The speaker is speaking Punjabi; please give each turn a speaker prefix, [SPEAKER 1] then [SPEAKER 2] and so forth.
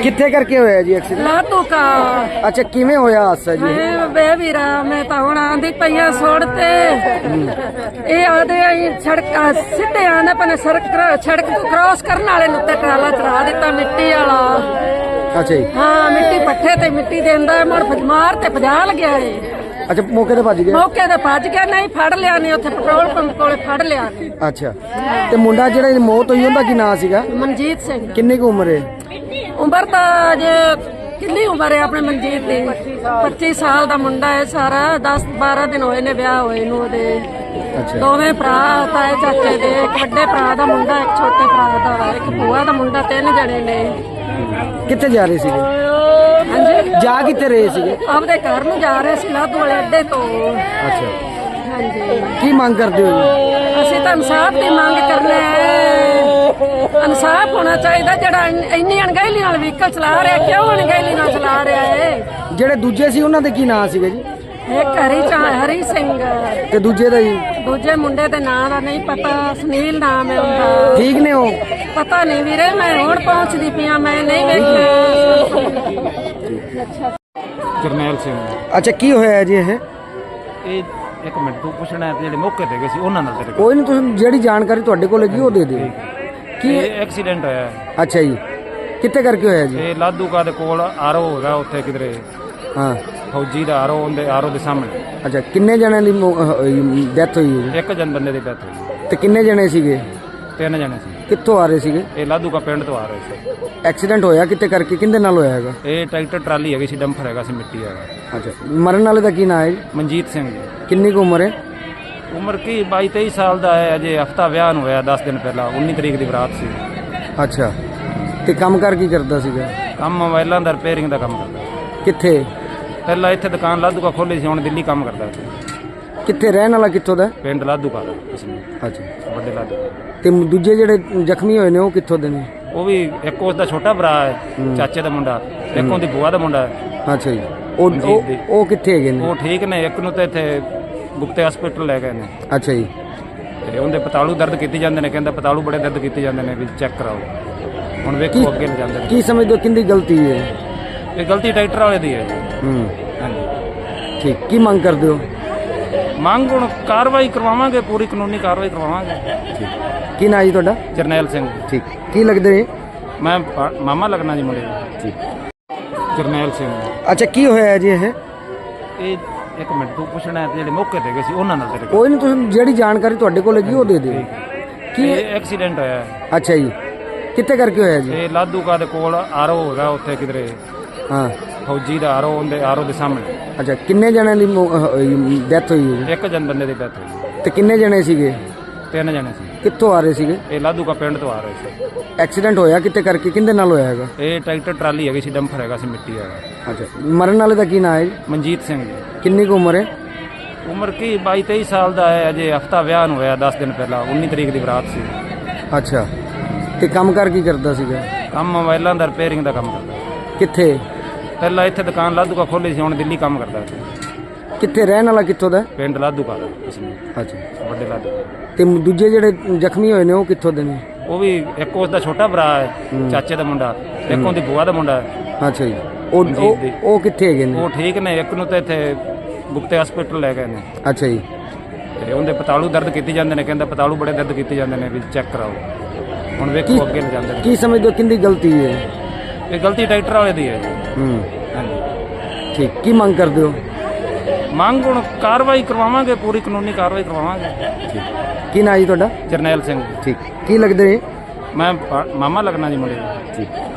[SPEAKER 1] ਕਿੱਥੇ ਕਰਕੇ ਹੋਇਆ ਜੀ ਐਕਸੀਡੈਂਟ?
[SPEAKER 2] ਲਾਤੂ ਕਾ
[SPEAKER 1] ਅੱਛਾ, ਕਿਵੇਂ ਹੋਇਆ ਹਾਦਸਾ ਜੀ?
[SPEAKER 2] ਬੇ ਵੀਰਾ ਮੈਂ ਤਾਂ ਹੁਣ ਆਂਦੀ ਪਈਆਂ ਸੋੜ ਤੇ ਇਹ ਆਦੇ ਆਈ ਸੜਕਾਂ ਸਿੱਧੇ ਆਂਦਾ ਪਨੇ ਸੜਕ ਤੋਂ ਕ੍ਰਾਸ ਕਰਨ ਵਾਲੇ ਨੂੰ ਤੇ ਟਰਾਲਾ ਚੜਾ ਦਿੱਤਾ ਮਿੱਟੀ ਵਾਲਾ।
[SPEAKER 1] ਅੱਛਾ ਜੀ।
[SPEAKER 2] ਹਾਂ, ਮਿੱਟੀ ਪੱਠੇ ਤੇ ਮਿੱਟੀ ਦੇਂਦਾ ਮੁੜ ਮਾਰ ਤੇ ਭਜਾ ਲਗਿਆ ਏ।
[SPEAKER 1] ਅੱਛਾ, ਮੌਕੇ ਤੇ ਭੱਜ ਗਿਆ?
[SPEAKER 2] ਮੌਕੇ ਤੇ ਭੱਜ ਗਿਆ, ਨਹੀਂ ਫੜ ਲਿਆ ਨੇ ਉੱਥੇ ਪੈਟਰੋਲ ਪੰਪ ਕੋਲੇ ਫੜ ਲਿਆ ਨੇ।
[SPEAKER 1] ਅੱਛਾ, ਤੇ ਮੁੰਡਾ ਜਿਹੜਾ ਦੀ ਮੌਤ ਹੋਈ ਉਹਦਾ ਕੀ ਨਾਂ ਸੀਗਾ?
[SPEAKER 2] ਮਨਜੀਤ ਸਿੰਘ।
[SPEAKER 1] ਕਿੰਨੀ ਕੁ ਉਮਰ ਹੈ?
[SPEAKER 2] ਉਮਰ ਤਾਂ ਜੇ ਕਿੰਨੀ ਉਮਰ ਹੈ ਆਪਣੇ ਮਨਜੀਤ ਦੀ? 25 ਸਾਲ ਦਾ ਮੁੰਡਾ ਹੈ ਸਾਰਾ। 10-12 ਦਿਨ ਹੋਏ ਨੇ ਵਿਆਹ ਹੋਏ ਨੂੰ ਉਹਦੇ।
[SPEAKER 1] ਅੱਛਾ,
[SPEAKER 2] ਦੋਵੇਂ ਭਰਾ ਤਾਏ ਚਾਚੇ ਦੇ, ਇੱਕ ਵੱਡੇ ਭਰਾ ਦਾ ਮੁੰਡਾ, ਇੱਕ ਛੋਟੇ ਭਰਾ ਦਾ, ਇੱਕ ਭੂਆ ਦਾ ਮੁੰਡਾ, 3 ਜਣੇ ਨੇ।
[SPEAKER 1] ਕਿੱਥੇ ਜਾ ਰਹੇ ਸੀਗੇ?
[SPEAKER 2] ਹਾਂਜੀ,
[SPEAKER 1] ਜਾ ਕਿੱਥੇ ਰਹੇ ਸੀਗੇ?
[SPEAKER 2] ਆਪਦੇ ਘਰ ਨੂੰ ਜਾ ਰਹੇ ਸੀ ਲਾਧੂ ਵਾਲੇ ਅੱਡੇ ਤੋਂ।
[SPEAKER 1] ਅੱਛਾ,
[SPEAKER 2] ਹਾਂਜੀ,
[SPEAKER 1] ਕੀ ਮੰਗ ਕਰਦੇ ਹੋ ਜੀ?
[SPEAKER 2] ਅਸੀਂ ਤਾਂ ਇਨਸਾਫ ਦੀ ਮੰਗ ਕਰਨੇ ਆ। ਇਨਸਾਫ ਹੋਣਾ ਚਾਹੀਦਾ। ਜਿਹੜਾ ਇੰਨੀ ਅਣਗਹਿਲੀ ਨਾਲ ਵਹੀਕਲ ਚਲਾ ਰਿਹਾ, ਕਿਉਂ ਅਣਗਹਿਲੀ ਨਾਲ ਚਲਾ ਰਿਹਾ ਹੈ?
[SPEAKER 1] ਜਿਹੜੇ ਦੂਜੇ ਸੀ ਉਹਨਾਂ ਦੇ ਕੀ ਨਾਂ ਸੀਗੇ ਜੀ?
[SPEAKER 2] ਇੱਕ ਹਰੀ ਸਿੰਘ
[SPEAKER 1] ਤੇ ਦੂਜੇ ਦਾ ਜੀ?
[SPEAKER 2] ਦੂਜੇ ਮੁੰਡੇ ਦੇ ਨਾਂ ਦਾ ਨਹੀਂ ਪਤਾ, ਸੁਨੀਲ ਨਾਮ ਹੈ ਉਹਦਾ।
[SPEAKER 1] ਠੀਕ ਨੇ ਉਹ?
[SPEAKER 2] ਪਤਾ ਨਹੀਂ ਵੀਰੇ, ਮੈਂ ਹੁਣ ਪਹੁੰਚਦੀ ਪਿਆ, ਮੈਂ ਨਹੀਂ ਵੇਖਿਆ।
[SPEAKER 3] ਜਰਨੈਲ ਸਿੰਘ।
[SPEAKER 1] ਅੱਛਾ, ਕੀ ਹੋਇਆ ਜੀ ਇਹ?
[SPEAKER 3] ਇਹ ਇੱਕ ਮਿੰਟ ਤੂੰ ਪੁੱਛਣਾ ਹੈ ਤੇ ਜਿਹੜੇ ਮੌਕੇ ਤੇ ਗਏ ਸੀ ਉਹਨਾਂ ਨਾਲ ਤੇਰੇ ਕੋਲ?
[SPEAKER 1] ਕੋਈ ਨਹੀਂ, ਤੁਸੀਂ ਜਿਹੜੀ ਜਾਣਕਾਰੀ ਤੁਹਾਡੇ ਕੋਲ ਹੈਗੀ ਉਹ ਦੇ ਦਿਓ। ਕੀ?
[SPEAKER 3] ਇਹ ਐਕਸੀਡੈਂਟ ਹੋਇਆ ਹੈ।
[SPEAKER 1] ਅੱਛਾ ਜੀ, ਕਿੱਥੇ ਕਰਕੇ ਹੋਇਆ ਜੀ?
[SPEAKER 3] ਇਹ ਲਾਧੂਕਾ ਦੇ ਕੋਲ ਆਰੋ ਹੈਗਾ ਉੱਥੇ ਕਿਧਰੇ,
[SPEAKER 1] ਹਾਂ।
[SPEAKER 3] ਫੌਜੀ ਦਾ ਆਰੋ, ਉਹਦੇ ਆਰੋ ਦੇ ਸਾਹਮਣੇ।
[SPEAKER 1] ਅੱਛਾ, ਕਿੰਨੇ ਜਣਿਆਂ ਦੀ ਡੈਥ ਹੋਈ ਹੈ ਜੀ?
[SPEAKER 3] ਇੱਕ ਜਨ ਬੰਦੇ ਦੀ ਡੈਥ ਹੋਈ।
[SPEAKER 1] ਤੇ ਕਿੰਨੇ ਜਣੇ ਸੀਗੇ?
[SPEAKER 3] 3 ਜਣੇ ਸੀ।
[SPEAKER 1] ਕਿੱਥੋਂ ਆ ਰਹੇ ਸੀਗੇ?
[SPEAKER 3] ਇਹ ਲਾਧੂਕਾ ਪਿੰਡ ਤੋਂ ਆ ਰਹੇ ਸੀ।
[SPEAKER 1] ਐਕਸੀਡੈਂਟ ਹੋਇਆ ਕਿੱਥੇ ਕਰਕੇ, ਕਿਹਦੇ ਨਾਲ ਹੋਇਆ ਹੈਗਾ?
[SPEAKER 3] ਇਹ ਟਰੈਕਟਰ ਟਰਾਲੀ ਹੈਗੀ ਸੀ, ਡੰਫਰ ਹੈਗਾ ਸੀ ਮਿੱਟੀ ਵਾਲਾ।
[SPEAKER 1] ਅੱਛਾ, ਮਰਨ ਵਾਲੇ ਦਾ ਕੀ ਨਾਂ ਹੈ ਜੀ?
[SPEAKER 3] ਮਨਜੀਤ ਸਿੰਘ ਜੀ।
[SPEAKER 1] ਕਿੰਨੀ ਕੁ ਉਮਰ ਹੈ?
[SPEAKER 3] ਉਮਰ ਕੀ 22-23 ਸਾਲ ਦਾ ਹੈ। ਅਜੇ ਹਫਤਾ ਵਿਆਹ ਨੂੰ ਹੋਇਆ, 10 ਦਿਨ ਪਹਿਲਾਂ। 19 ਤਰੀਕ ਦੀ ਬਰਾਤ ਸੀ।
[SPEAKER 1] ਅੱਛਾ, ਤੇ ਕੰਮ ਕਰ ਕੀ ਕਰਦਾ ਸੀਗਾ?
[SPEAKER 3] ਕੰਮ ਮੋਬਾਈਲਾਂ ਦਾ ਰਿਪੇਅਰਿੰਗ ਦਾ ਕੰਮ ਕਰਦਾ।
[SPEAKER 1] ਕਿੱਥੇ?
[SPEAKER 3] ਪਹਿਲਾਂ ਇੱਥੇ ਦੁਕਾਨ ਲਾਧੂਕਾ ਖੋਲ੍ਹੀ ਸੀ, ਹੁਣ ਦਿੱਲੀ ਕੰਮ ਕਰਦਾ ਸੀ।
[SPEAKER 1] ਕਿੱਥੇ ਰਹਿਣ ਵਾਲਾ ਕਿੱਥੋਂ ਦਾ?
[SPEAKER 3] ਪਿੰਡ ਲਾਧੂਕਾ ਦਾ ਇਸਨੇ,
[SPEAKER 1] ਅੱਛਾ,
[SPEAKER 3] ਵੱਡੇ ਲਾਧੂਕਾ।
[SPEAKER 1] ਤੇ ਦੂਜੇ ਜਿਹੜੇ ਜ਼ਖਮੀ ਹੋਏ ਨੇ ਉਹ ਕਿੱਥੋਂ ਦੇ ਨੇ?
[SPEAKER 3] ਉਹ ਵੀ ਇੱਕ ਉਸ ਦਾ ਛੋਟਾ ਭਰਾ ਹੈ, ਚਾਚੇ ਦਾ ਮੁੰਡਾ। ਇੱਕ ਉਹਦੀ ਬੂਆ ਦਾ ਮੁੰਡਾ ਹੈ।
[SPEAKER 1] ਅੱਛਾ ਜੀ, ਉਹ ਕਿੱਥੇ ਹੈਗੇ ਨੇ?
[SPEAKER 3] ਉਹ ਠੀਕ ਨੇ। ਇੱਕ ਨੂੰ ਤਾਂ ਇੱਥੇ ਗੁਪਤੇ ਹਸਪੀਟਲ ਲੈ ਗਏ ਨੇ।
[SPEAKER 1] ਅੱਛਾ ਜੀ,
[SPEAKER 3] ਤੇ ਉਹਦੇ ਪਤਾਲੂ ਦਰਦ ਕੀਤੇ ਜਾਂਦੇ ਨੇ, ਕਹਿੰਦਾ ਪਤਾਲੂ ਬੜੇ ਦਰਦ ਕੀਤੇ ਜਾਂਦੇ ਨੇ, ਵੀ ਚੈੱਕ ਕਰਾਓ। ਹੁਣ ਵੇਖੋ ਅੱਗੇ ਲੈ ਜਾਂਦੇ ਨੇ।
[SPEAKER 1] ਕੀ ਸਮਝਦੇ ਹੋ ਕਿੰਦੀ ਗਲਤੀ ਹੈ?
[SPEAKER 3] ਇਹ ਗਲਤੀ ਟਰੈਕਟਰ ਵਾਲੇ ਦੀ ਹੈ।
[SPEAKER 1] ਹਾਂਜੀ, ਠੀਕ। ਕੀ ਮੰਗ ਕਰਦੇ ਹੋ?
[SPEAKER 3] ਮੰਗ ਹੁਣ ਕਾਰਵਾਈ ਕਰਵਾਵਾਂਗੇ, ਪੂਰੀ ਕਾਨੂੰਨੀ ਕਾਰਵਾਈ ਕਰਵਾਵਾਂਗੇ।
[SPEAKER 1] ਕੀ ਨਾਂ ਜੀ ਤੁਹਾਡਾ?
[SPEAKER 3] ਜਰਨੈਲ ਸਿੰਘ।
[SPEAKER 1] ਠੀਕ। ਕੀ ਲੱਗਦੇ ਨੇ?
[SPEAKER 3] ਮੈਂ ਮਾਮਾ ਲੱਗਣਾ ਜੀ ਮੁੰਡੇ ਦਾ।
[SPEAKER 1] ਠੀਕ।
[SPEAKER 3] ਜਰਨੈਲ ਸਿੰਘ।
[SPEAKER 1] ਅੱਛਾ, ਕੀ ਹੋਇਆ ਜੀ ਇਹ?
[SPEAKER 3] ਇਹ ਇੱਕ ਮਿੰਟ ਤੂੰ ਪੁੱਛਣਾ ਹੈ ਤੇ ਜਿਹੜੇ ਮੌਕੇ ਤੇ ਗਏ ਸੀ ਉਹਨਾਂ ਨਾਲ ਤੇਰੇ ਕੋਲ?
[SPEAKER 1] ਕੋਈ ਨਹੀਂ, ਤੁਸੀਂ ਜਿਹੜੀ ਜਾਣਕਾਰੀ ਤੁਹਾਡੇ ਕੋਲ ਹੈਗੀ ਉਹ ਦੇ ਦਿਓ। ਕੀ?
[SPEAKER 3] ਇਹ ਐਕਸੀਡੈਂਟ ਹੋਇਆ ਹੈ।
[SPEAKER 1] ਅੱਛਾ ਜੀ, ਕਿੱਥੇ ਕਰਕੇ ਹੋਇਆ ਜੀ?
[SPEAKER 3] ਇਹ ਲਾਧੂਕਾ ਦੇ ਕੋਲ ਆਰੋ ਹੈਗਾ ਉੱਥੇ ਕਿਧਰੇ,
[SPEAKER 1] ਹਾਂ।
[SPEAKER 3] ਫੌਜੀ ਦਾ ਆਰੋ, ਉਹਦੇ ਆਰੋ ਦੇ ਸਾਹਮਣੇ।
[SPEAKER 1] ਅੱਛਾ, ਕਿੰਨੇ ਜਣਿਆਂ ਦੀ ਡੈਥ ਹੋਈ ਹੈ ਜੀ?
[SPEAKER 3] ਇੱਕ ਜਨ ਬੰਦੇ ਦੀ ਡੈਥ ਹੋਈ।
[SPEAKER 1] ਤੇ ਕਿੰਨੇ ਜਣੇ ਸੀਗੇ?
[SPEAKER 3] 3 ਜਣੇ ਸੀ।
[SPEAKER 1] ਕਿੱਥੋਂ ਆ ਰਹੇ ਸੀਗੇ?
[SPEAKER 3] ਇਹ ਲਾਧੂਕਾ ਪਿੰਡ ਤੋਂ ਆ ਰਹੇ ਸੀ।
[SPEAKER 1] ਐਕਸੀਡੈਂਟ ਹੋਇਆ ਕਿੱਥੇ ਕਰਕੇ, ਕਿਹਦੇ ਨਾਲ ਹੋਇਆ ਹੈਗਾ?
[SPEAKER 3] ਇਹ ਟਰੈਕਟਰ ਟਰਾਲੀ ਹੈਗੀ ਸੀ, ਡੰਫਰ ਹੈਗਾ ਸੀ ਮਿੱਟੀ ਵਾਲਾ।
[SPEAKER 1] ਅੱਛਾ, ਮਰਨ ਵਾਲੇ ਦਾ ਕੀ ਨਾਂ ਹੈ ਜੀ?
[SPEAKER 3] ਮਨਜੀਤ ਸਿੰਘ ਜੀ।
[SPEAKER 1] ਕਿੰਨੀ ਕੁ ਉਮਰ ਹੈ?
[SPEAKER 3] ਉਮਰ ਕੀ 22-23 ਸਾਲ ਦਾ ਹੈ। ਅਜੇ ਹਫਤਾ ਵਿਆਹ ਨੂੰ ਹੋਇਆ, 10 ਦਿਨ ਪਹਿਲਾਂ। 19 ਤਰੀਕ ਦੀ ਬਰਾਤ ਸੀ।
[SPEAKER 1] ਅੱਛਾ, ਤੇ ਕੰਮ ਕਰ ਕੀ ਕਰਦਾ ਸੀਗਾ?
[SPEAKER 3] ਕੰਮ ਮੋਬਾਈਲਾਂ ਦਾ ਰਿਪੇਅਰਿੰਗ ਦਾ ਕੰਮ ਕਰਦਾ।
[SPEAKER 1] ਕਿੱਥੇ?
[SPEAKER 3] ਪਹਿਲਾਂ ਇੱਥੇ ਦੁਕਾਨ ਲਾਧੂਕਾ ਖੋਲ੍ਹੀ ਸੀ, ਹੁਣ ਦਿੱਲੀ ਕੰਮ ਕਰਦਾ ਸੀ।
[SPEAKER 1] ਕਿੱਥੇ ਰਹਿਣ ਵਾਲਾ ਕਿੱਥੋਂ ਦਾ?
[SPEAKER 3] ਪਿੰਡ ਲਾਧੂਕਾ ਦਾ ਇਸਨੇ,
[SPEAKER 1] ਅੱਛਾ,
[SPEAKER 3] ਵੱਡੇ ਲਾਧੂਕਾ।
[SPEAKER 1] ਤੇ ਦੂਜੇ ਜਿਹੜੇ ਜ਼ਖਮੀ ਹੋਏ ਨੇ ਉਹ ਕਿੱਥੋਂ ਦੇ ਨੇ?
[SPEAKER 3] ਉਹ ਵੀ ਇੱਕ ਉਸ ਦਾ ਛੋਟਾ ਭਰਾ ਹੈ, ਚਾਚੇ ਦਾ ਮੁੰਡਾ। ਇੱਕ ਉਹਦੀ ਬੂਆ ਦਾ ਮੁੰਡਾ ਹੈ।
[SPEAKER 1] ਅੱਛਾ ਜੀ, ਉਹ ਕਿੱਥੇ ਹੈਗੇ ਨੇ?
[SPEAKER 3] ਉਹ ਠੀਕ ਨੇ। ਇੱਕ ਨੂੰ ਤਾਂ ਇੱਥੇ ਗੁਪਤੇ ਹਸਪੀਟਲ ਲੈ ਗਏ ਨੇ।
[SPEAKER 1] ਅੱਛਾ ਜੀ,
[SPEAKER 3] ਤੇ ਉਹਦੇ ਪਤਾਲੂ ਦਰਦ ਕੀਤੇ ਜਾਂਦੇ ਨੇ, ਕਹਿੰਦਾ ਪਤਾਲੂ ਬੜੇ ਦਰਦ ਕੀਤੇ ਜਾਂਦੇ ਨੇ, ਵੀ ਚੈੱਕ ਕਰਾਓ। ਹੁਣ ਵੇਖੋ ਅੱਗੇ ਲੈ ਜਾਂਦੇ ਨੇ।
[SPEAKER 1] ਕੀ ਸਮਝਦੇ ਹੋ ਕਿੰਦੀ ਗਲਤੀ ਹੈ?
[SPEAKER 3] ਇਹ ਗਲਤੀ ਟਰੈਕਟਰ ਵਾਲੇ ਦੀ ਹੈ।
[SPEAKER 1] ਹਾਂਜੀ, ਠੀਕ। ਕੀ ਮੰਗ ਕਰਦੇ ਹੋ?
[SPEAKER 3] ਮੰਗ ਹੁਣ ਕਾਰਵਾਈ ਕਰਵਾਵਾਂਗੇ, ਪੂਰੀ ਕਾਨੂੰਨੀ ਕਾਰਵਾਈ ਕਰਵਾਵਾਂਗੇ।
[SPEAKER 1] ਠੀਕ। ਕੀ ਨਾਂ ਜੀ ਤੁਹਾਡਾ?
[SPEAKER 3] ਜਰਨੈਲ ਸਿੰਘ।
[SPEAKER 1] ਠੀਕ। ਕੀ ਲੱਗਦੇ ਨੇ?
[SPEAKER 3] ਮੈਂ ਮਾਮਾ ਲੱਗਣਾ ਜੀ ਮੁੰਡੇ ਦਾ।
[SPEAKER 1] ਠੀਕ।